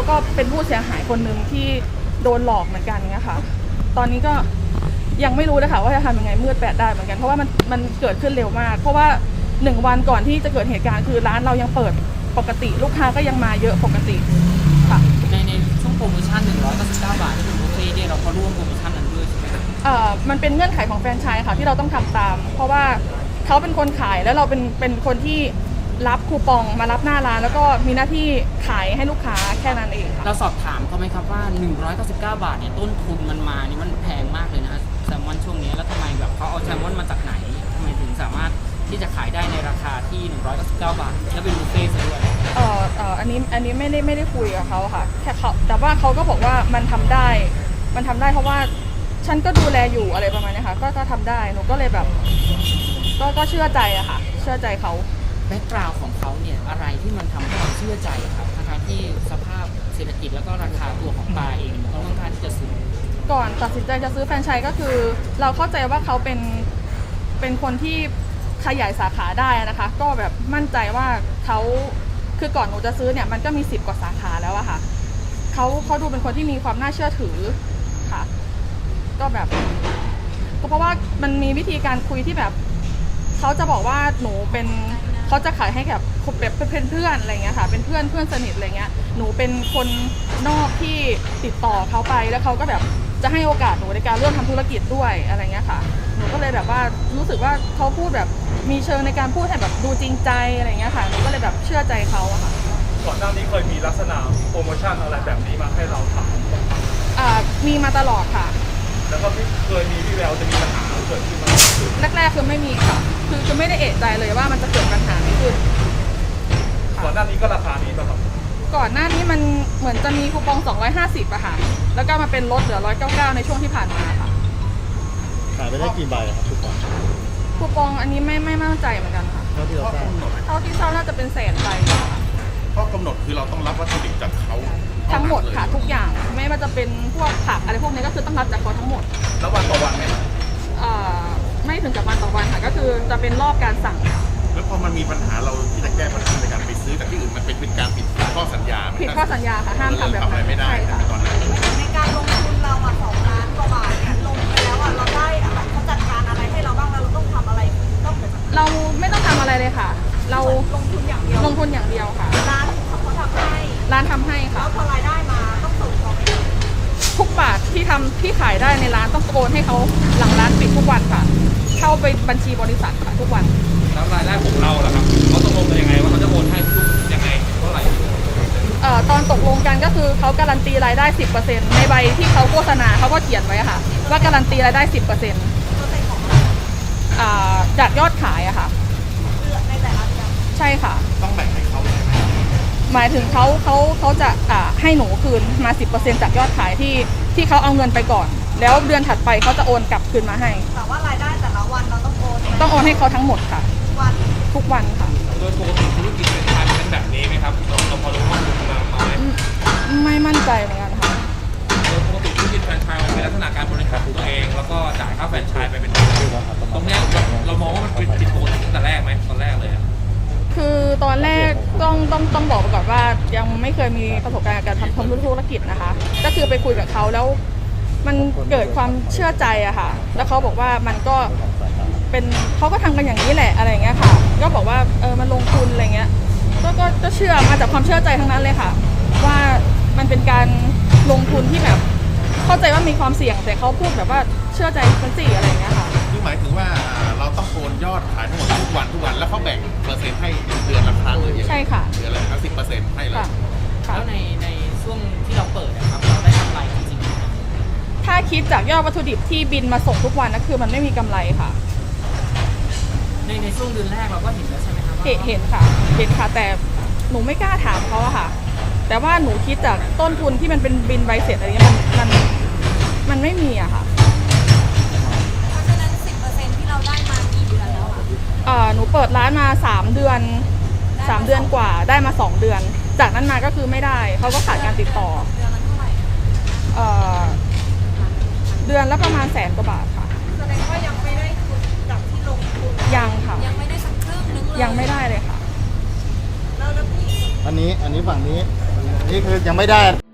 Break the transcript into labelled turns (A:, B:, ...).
A: ก็เป็นผู้เสียหายคนหนึ่งที่โดนหลอกเหมือนกันเงี้ยค่ะตอนนี้ก็ยังไม่รู้เลยค่ะว่าจะทำยังไงมืดแปดได้เหมือนกันเพราะว่ามันเกิดขึ้นเร็วมากเพราะว่า1 วันก่อนที่จะเกิดเหตุการณ์คือร้านเรายังเปิดปกติลูกค้าก็ยังมาเยอะปกติค่ะ
B: ในช่วงโปรโมชั่น199 บาทที่เป็นบุฟเฟ่ต์เนี่ยเราก็ร่วมโปรโมชั่นนั้นด้วยใช่ไหมครับ
A: มันเป็นเงื่อนไขของแฟรนไชส์ค่ะที่เราต้องทำตามเพราะว่าเขาเป็นคนขายแล้วเราเป็นคนที่รับคูปองมารับหน้าร้านแล้วก็มีหน้าที่ขายให้ลูกค้าแค่นั้นเองค่ะ
B: เราสอบถามเขาไหมครับว่า199 บาทเนี่ยต้นทุนมันมานี่มันแพงมากเลยนะแซลมอนช่วงนี้แล้วทำไมแบบเขาเอาแซลมอนมาจากไหนทำไมถึงสามารถที่จะขายได้ในราคาที่199 บาทและเป็นบุฟเฟ่ต์ซะด้วย
A: อันนี้ไม่ได้คุยกับเขาค่ะแค่เขาแต่ว่าเขาก็บอกว่ามันทำได้เพราะว่าฉันก็ดูแลอยู่อะไรประมาณนี้ค่ะก็ทำได้หนูก็เลยแบบก็เชื่อใจอะค่ะเชื่อใจเขา
B: แบ็กกราวด์ของเขาเนี่ยอะไรที่มันทำให้เราเชื่อใจครับทั้งที่สภาพเศรษฐกิจแล้วก็ราคาตัวของปลาเองมันค่อนข้างที่จะสูง
A: ก่อนตัดสินใจจะซื้อแฟรนไชส์ก็คือเราเข้าใจว่าเขาเป็นคนที่ขยายสาขาได้นะคะก็แบบมั่นใจว่าเขาคือก่อนหนูจะซื้อเนี่ยมันก็มี10 กว่าสาขาแล้วอะค่ะเขาดูเป็นคนที่มีความน่าเชื่อถือค่ะก็แบบก็เพราะว่ามันมีวิธีการคุยที่แบบเขาจะบอกว่าหนูเป็นเขาจะขายให้แบบเป็นเพื่อนอะไรเงี้ยค่ะเป็นเพื่อนสนิทอะไรเงี้ยหนูเป็นคนนอกที่ติดต่อเขาไปแล้วเขาก็แบบจะให้โอกาสหนูในการเริ่มทำธุรกิจด้วยอะไรเงี้ยค่ะหนูก็เลยแบบว่ารู้สึกว่าเขาพูดแบบมีเชิงในการพูดให้แบบดูจริงใจอะไรเงี้ยค่ะหนูก็เลยแบบเชื่อใจเขาอะค่ะ
C: ก่อนหน้านี้เคยมีลักษณะโปรโมชั่นอะไรแบบนี้มาให้เราทำ
A: มีมาตลอดค่ะ
C: แล้วก็ไม่เคยมีวี่แววจะมีปัญหาเกิดขึ้นมา
A: แรกๆคือไม่มีค่ะคือไม่ได้เอะใจเลยว่ามันจะเกิดปัญหานี้ขึ้น
C: ก่อนหน้านี้ก็ราคานี้ป่ะครับ
A: ก่อนหน้านี้มันเหมือนจะมีคูปอง250อะค่ะแล้วก็มาเป็นลดเหลือ199ในช่วงที่ผ่านมาค่ะ
D: ขายไปได้กี่ใบครับ
A: คูปองอันนี้ไม่มั่นใจเหมือนกันค่ะ
D: เท่าที่เราทราบ
A: เท่าที่ทราบน่าจะเป็นแสนใบ
E: ข้อกำหนดคือเราต้องรับวัตถุดิบจากเขา
A: ทั้งหมดค่ะทุกอย่างไม่ว่าจะเป็นพวกผักอะไรพวกนี้ก็คือต้องรับจากเขาทั้งหมด
C: แล้ววันต่อวันไหม
A: ไม่ถึงกับวันต่อวันค่ะก็คือจะเป็นรอบการสั่ง
E: แล้วพอมันมีปัญหาเราที่จะแก้ปัญหาในการไปซื้อจากที่อื่นมันเป็นการผิดข้อสัญญา
A: ผิดข้อสัญญาค่ะห้ามทำแบบ
E: นั้นไม่ได้ตอนนั้น
F: ในการลงทุนเรา2 ล้านกว่าบาทเนี่ยลงไปแล้วเราได้อะไรเขาจัดการอะไรให้เราบ้างแล้วเราต้องทำอะไร
A: เราไม่ต้องทำอะไรเลยค่ะเรา
F: ลงทุนอย่างเดียว
A: ค่ะ
F: ร้านเขาทำให้
A: ค่ะ
F: แล้วพอรายได้มาต้องส่งของ
A: ทุกบาทที่ขายได้ในร้านต้องโอนให้เขาหลังร้านปิดทุกวันค่ะเข้าไปบัญชีบริษัทค่ะทุกวัน
C: แล้วรายได้ของเราล่ะครับเขาตกลงกันยังไงว่าเขาจะโอนให้ทุกยังไงเท่าไหร่
A: ตอนตกลงกันก็คือเขาการันตีรายได้ 10% ในใบที่เขาโฆษณาเขาก็เขียนไว้ค่ะว่าการันตีรายได้ 10%จากยอดขายอะค่ะ
F: ในแต่ละเดือน
A: ใช่ค่ะ
E: ต้องแบ่งให้เขา
A: หมายถึงเขาจะให้หนูคืนมา 10% จากยอดขายที่เขาเอาเงินไปก่อนแล้วเดือนถัดไปเขาจะโอนกลับคืนมาให้
F: แต่ว่ารายได้แต่ละวันเราต้อง
A: โอนให้เขาทั้งหมดค่ะทุกวันค่ะ
C: โดยปกติธุรกิจเป็นการเป็นแบบนี้ไหมครับเราพอรู้ข้อมูลมาไหม
A: ไม่มั่นใจเหมือนกันค่ะ
C: โดยปกติธุรกิจแฟรนไชส์มันเป็นลักษณะการบริหารตัวเองแล้วก็จ่ายค่าแฟรนไชส์ไปเป็นตรงนี้เรามองว่ามันเป็นผิดปกติตั้งแต่แรกไหมตอนแรกเลย
A: คือตอนแรกต้องบอกไปก่อนว่ายังไม่เคยมีประสบการณ์การทำธุรกิจนะคะก็คือไปคุยกับเขาแล้วมันเกิดความเชื่อใจอะค่ะแล้วเขาบอกว่ามันก็เป็นเขาก็ทำกันอย่างนี้แหละอะไรเงี้ยค่ะก็บอกว่ามันลงทุนอะไรเงี้ยก็เชื่อมาจากความเชื่อใจทั้งนั้นเลยค่ะว่ามันเป็นการลงทุนที่แบบเข้าใจว่ามีความเสี่ยงแต่เขาพูดแบบว่าเชื่อใจคนสี่อะไรเงี้ยค่ะ
E: คือหมายถึงว่าเราต้องโอนยอดขายทั้งหมดทุกวันแล้วเขาแบ่งเปอร์เซ็นต์ให้เดือนละครั้งเลย
A: ใช่ค่ะ
E: เดือนละ10%ให้เลย
B: แล้วในช่วงที่เราเปิดนะครับเราได้กำไรจริง
A: ๆถ้าคิดจากยอดวัตถุดิบที่บินมาส่งทุกวันนะคือมันไม่มีกำไรค่ะ
B: ในช่วงเดือนแรกเราก็เห็นแล้วใช่ไหมครับ
A: เห็นค่ะแต่หนูไม่กล้าถามเขาอะค่ะแต่ว่าหนูคิดจากต้นทุนที่มันเป็นบินใบเสร็จอะไรเงี้ยมันไม่มีอะค่ะ
F: เพราะฉะนั้น10%ที่เราได้มากี่เดือนแล้ว
A: หนูเปิดร้านมา3 เดือนกว่าได้มา2 เดือนจากนั้นมาก็คือไม่ได้เขาก็ขาดการติดต่อ
F: เดือนละเท่าไหร่
A: เดือนละประมาณ100,000 กว่าบาทค่ะ
F: แสดงว่ายังไม่ได้ทุนจากที่ลงทุน
A: ยังค่ะ
F: ยังไม่ได้สักครึ่งนึงเลย
A: ยังไม่ได้เลยค่ะ
F: แล้วพี่
D: อันนี้ฝั่งนี้นี่คือยังไม่ได้